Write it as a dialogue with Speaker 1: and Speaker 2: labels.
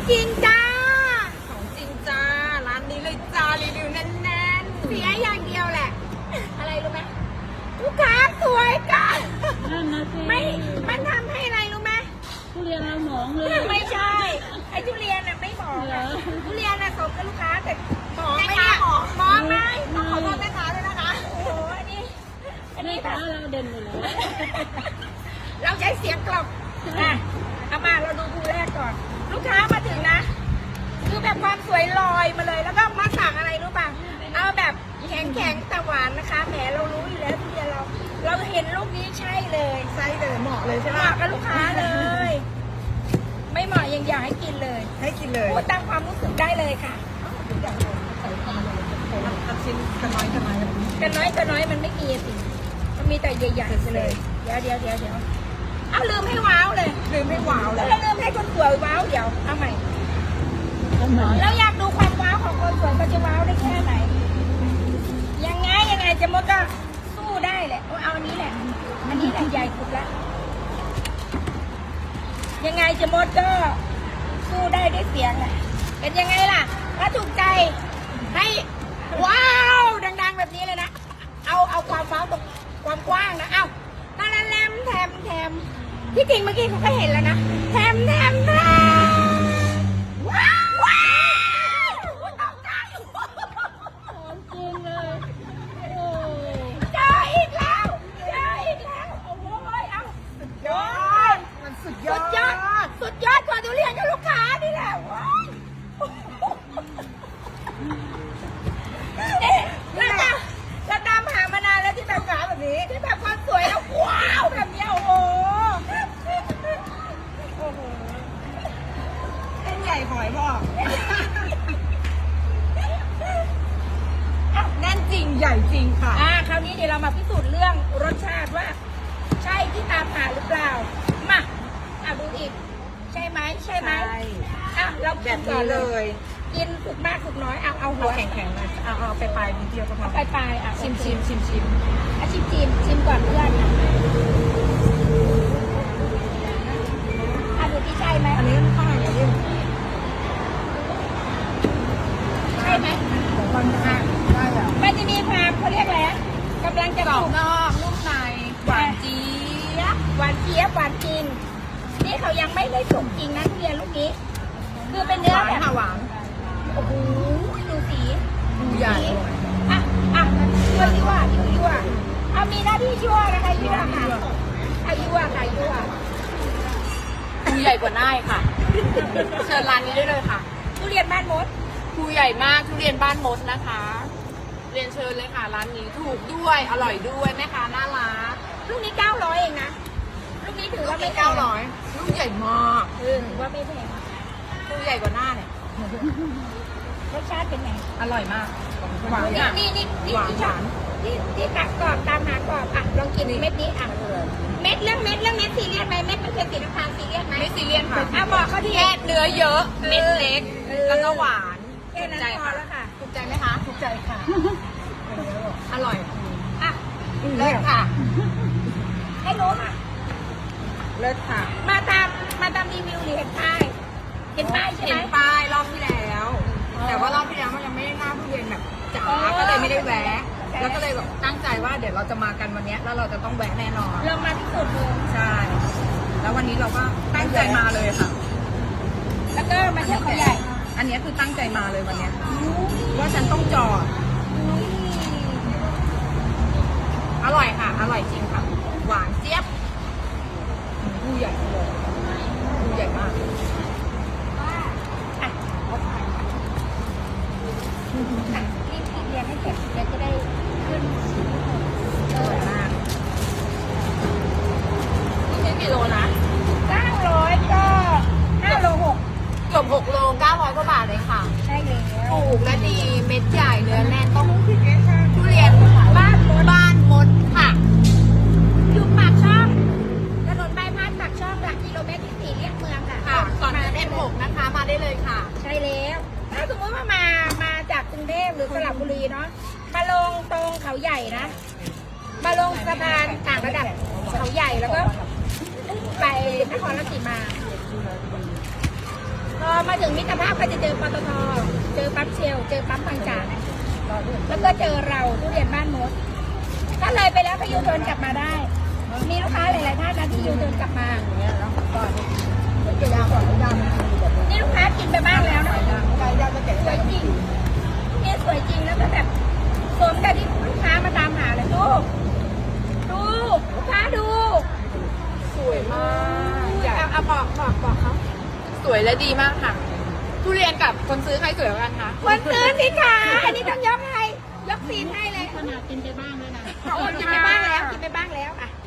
Speaker 1: จริงจ้า
Speaker 2: ของจริงจ้าร้านนี้เลยจ้ารีวิวแน่น
Speaker 1: เสียอย่างเดียวแหละ อะไรรู้ไหมลูกค้าสวยกัน
Speaker 3: นั่นนะสิ
Speaker 1: ไม่ มันทำให้อะไรรู้ไหม
Speaker 3: ทุเรียนเราหมองเลย
Speaker 1: ไม่ใช่ ไอ้ทุเรียนน่ะไม่หมอง
Speaker 3: เหร
Speaker 1: อะ
Speaker 3: อ
Speaker 1: ทุเรียนน่ะสมกับลูกค้าแต่หมองไหมเนี่ยหมองไหมต้องขอโทษแม่ค้าด้วยนะคะ โอ้โหอันนี้
Speaker 3: แม่ค้าเราเด่นอยู่แล้ว
Speaker 1: เราใช้เสียงกล่อมอ่ะเอามาเราดูภูแรกก่อน ลูกค้ามาถึงนะ คือแบบความสวยลอยมาเลย แล้วก็มาสั่งอะไรรู้ป่ะ เอาแบบแข็งๆแต่หวานนะคะ แหมเรารู้อยู่แล้วทุเรียนเราเห็นลูกนี้ใช่เลย
Speaker 2: ๆไส้เลยเหมาะเลยใช่
Speaker 1: เห
Speaker 2: ไหม
Speaker 1: มาะกับลูกค้าเลย ไม่เหมาะยังอยากให้กินเลย
Speaker 2: ให้กินเลย
Speaker 1: พูดตามความรู้สึกได้เลยค่ะ
Speaker 2: ทำชิ้นกันน้อยกันน้อย
Speaker 1: กันน้อยมันไม่มีสิมันมีแต่ใหญ่ๆไปเลย เดี๋ยวเอาลืมให้ว้าวเลย
Speaker 2: ลืมให้ว้าวเลย
Speaker 1: แล้วลืมให้คนสวยว้าวเดี๋ยวเอาใหม่
Speaker 3: ทำไม
Speaker 1: เราอยากดูความว้าวของคนสวยเขาจะว้าวได้แค่ไหน ยังไงเจะมดก็สู้ได้แหละเอาอันนี้แหละ อันนี้แหละใหญ่สุดละยังไงเจะมดก็สู้ได้ด้วยเสียงแหละเป็นยังไงล่ะถ้าถูกใจให้ว้าวดังๆแบบนี้เลยนะ เอาความว้าวตรงความกว้างนะเอาตาละแลมแถมที่จริงเมื่อกี้เขาก็เห็นแล้วนะแถมว้าวตกใจ
Speaker 3: ของจริงเลย โอ้
Speaker 1: เจออีกแล้วโอ้ยเอาสุดยอด
Speaker 2: มันสุดย
Speaker 1: สุ
Speaker 2: อ
Speaker 1: ด
Speaker 2: ด
Speaker 1: ยอดกว่าทุเรียนกับลูกค้านี่แหละว้ายนี่เราตามหามานานแล้วที่แบบขาแบบนี้ที่แบบความสวยแล้วว้าวแบบเนี้ยโอ้โห
Speaker 2: เส้นใหญ่หอยบอกแน่นจริงใหญ่จริงค่ะ
Speaker 1: คราวนี้เดี๋ยวเรามาพิสูจน์เรื่องรสชาติว่า ใช่ที่ตามหาหรือเปล่ามาดูอีก ใช่ไหมเรา
Speaker 2: แบ
Speaker 1: กิน
Speaker 2: บ
Speaker 1: ก่อ
Speaker 2: นี้
Speaker 1: น
Speaker 2: เล
Speaker 1: เลย
Speaker 2: ย
Speaker 1: กินสุกมากสุกน้อยเอาหั
Speaker 2: เอา
Speaker 1: ว
Speaker 2: แข็งๆเลยเอาไปปลายนิดเดียวก็พอ
Speaker 1: ไปชิม
Speaker 2: ชิม
Speaker 1: ก่อนเพื่อนดูที่ใช่ไหม
Speaker 2: อันนี้มันข้างในยิ่ง
Speaker 1: ใช่ไหม
Speaker 2: มันข้างได้อะ
Speaker 1: มันจะมีความเขาเรียกอะไรกำลังจะ
Speaker 2: กรอ
Speaker 1: สุ
Speaker 2: บ
Speaker 1: ก
Speaker 2: นอกนุ่มในหวานจี๊ด
Speaker 1: หวานเจี๊ยบหวานจริงนี่เขายังไม่ได้สุกจริงนะทุเรียนลูกนี้ คือเป็นเนื้อ
Speaker 2: หวาน
Speaker 1: แบบ
Speaker 2: ค่ะหวาน
Speaker 1: โอ้โหดูสี
Speaker 2: ใหญ่
Speaker 1: ยั่วเอามีหน้าที่ยั่วนะคะยั่วค่ะยั่ว
Speaker 2: ภูใหญ่กว่าหน้าค่ะ เชิญร้านนี้ได้เลยค่ะ
Speaker 1: ทุเรียนบ้านมด
Speaker 2: ภูใหญ่มากทุเรียนบ้านมดนะคะ เรียนเชิญเลยค่ะ ร้านนี้ถูกด้วยอร่อยด้วยแม่ค้าน่ารัก
Speaker 1: ลูกนี้900เองนะลูกนี้ถือว่าไม่แพง
Speaker 2: 900ลูกใหญ่มาก
Speaker 1: ถือว่าไม่แพง
Speaker 2: ภูใหญ่กว่าหน้าเนี่ย
Speaker 1: รสชาติเป็นไง
Speaker 2: อร่อยมากหวานอ่ะ
Speaker 1: นี่
Speaker 2: หวานหวาน
Speaker 1: ที่ตักกรอบตามหากรอบลองกินเม็ดนี้เม็ดเรื่องเม็ดซีเรียสไหมเม็ดมันเป็นสีน้ำตาลซีเรียสไหม
Speaker 2: ไม่ซีเรียสค่ะ
Speaker 1: บอกเขาที่
Speaker 2: แค่เนื้อเยอะเม็ดเล็ก แล้วก็หวาน
Speaker 1: แค่นั้นพอแล้วค่ะ
Speaker 2: ถูกใจไหมคะถูกใจค่ะ อร่อย
Speaker 1: เลิศค่ะ ให้รู้ค่ะ
Speaker 2: เลิศค่ะ
Speaker 1: มาตามรีวิวหรือเห็นป้ายใช่ไหม
Speaker 2: เห็นป้ายรอบที่แล้ว แต่ว่ารอบที่แล้วมันยังไม่ได้หน้าทุเรียนแบบจ๋าก็เลยไม่ได้แวะ แล้วก็เลยแบบตั้งใจว่าเดี๋ยวเราจะมากันวันนี้แล้วเราจะต้องแวะแน่นอน
Speaker 1: ลองมาพิสูจน์ดู
Speaker 2: ใช่ แล้ววันนี้เราก็ตั้งใจมาเลยค่ะ
Speaker 1: แล้วก็มาเที่ยวเขาใหญ่
Speaker 2: อันนี้คือตั้งใจมาเลยวันเนี้ยว่าฉันต้องจอด อร่อยค่ะ อร่อยจริงค่ะ หวานเจี๊ยบดูใหญ่เลยดูใหญ่มาก
Speaker 1: รีบเรียนให้เสร็จเดี๋ยวจะได้ขึ้น
Speaker 2: อร่อยมาก นี่ใช้กี่โลนะ
Speaker 1: 900ก็5 โล
Speaker 2: เกือบ6 โล 900 กว่าบาทเลยค่ะ
Speaker 1: 6ใช่แล้ว
Speaker 2: ถูกและดีเม็ดใหญ่เนื้อแน่นต้องทุเรียนบ้านมดค่ะ
Speaker 1: อยู่ปากช่องถนนบายพาสปากช่องหลักกิโลเมตรที่4เรียกเมืองค่ะ
Speaker 2: ค่ะ ก่อนจะเอ็ม6นะคะ มาได้เลยค่ะ
Speaker 1: ใช่แล้วถ้าสมมติว่ามาจากกรุงเทพหรือสระบุรีเนาะมาลงตรงเขาใหญ่นะ มาลงสะพานต่างระดับเขาใหญ่แล้วก็ไปนครราชสีมาพอมาถึงมิตรภาพก็จะเจอปตทเจอปั๊มเชลเจอปั๊มบางจากแล้วก็เจอเราทุเรียนบ้านมดถ้าเลยไปแล้วก็ยูเทิร์นกลับมาได้ มีลูกค้าหลายๆท่านนะที่ยูเทิร์นกลับมานี่ลูกค้ากินไปบ้างแล้วนะสวยจริงนี่สวยจริงแล้วก็แบบสมกับที่ลูกค้ามาตามหาเลยดูลูกค้าดู
Speaker 2: สวยมากใหญ่
Speaker 1: เอาบอกเขา
Speaker 2: สวยและดีมากค่ะ ทุเรียนกับคนซื้อใครสวยกว่ากันคะ
Speaker 1: คนซื้อสิคะอันนี้ต้องยกให้ยกซีนให้เลย
Speaker 3: ขนาดกินไปบ้างด้วยนะ
Speaker 1: กินไปบ้างแล้วอ่ะ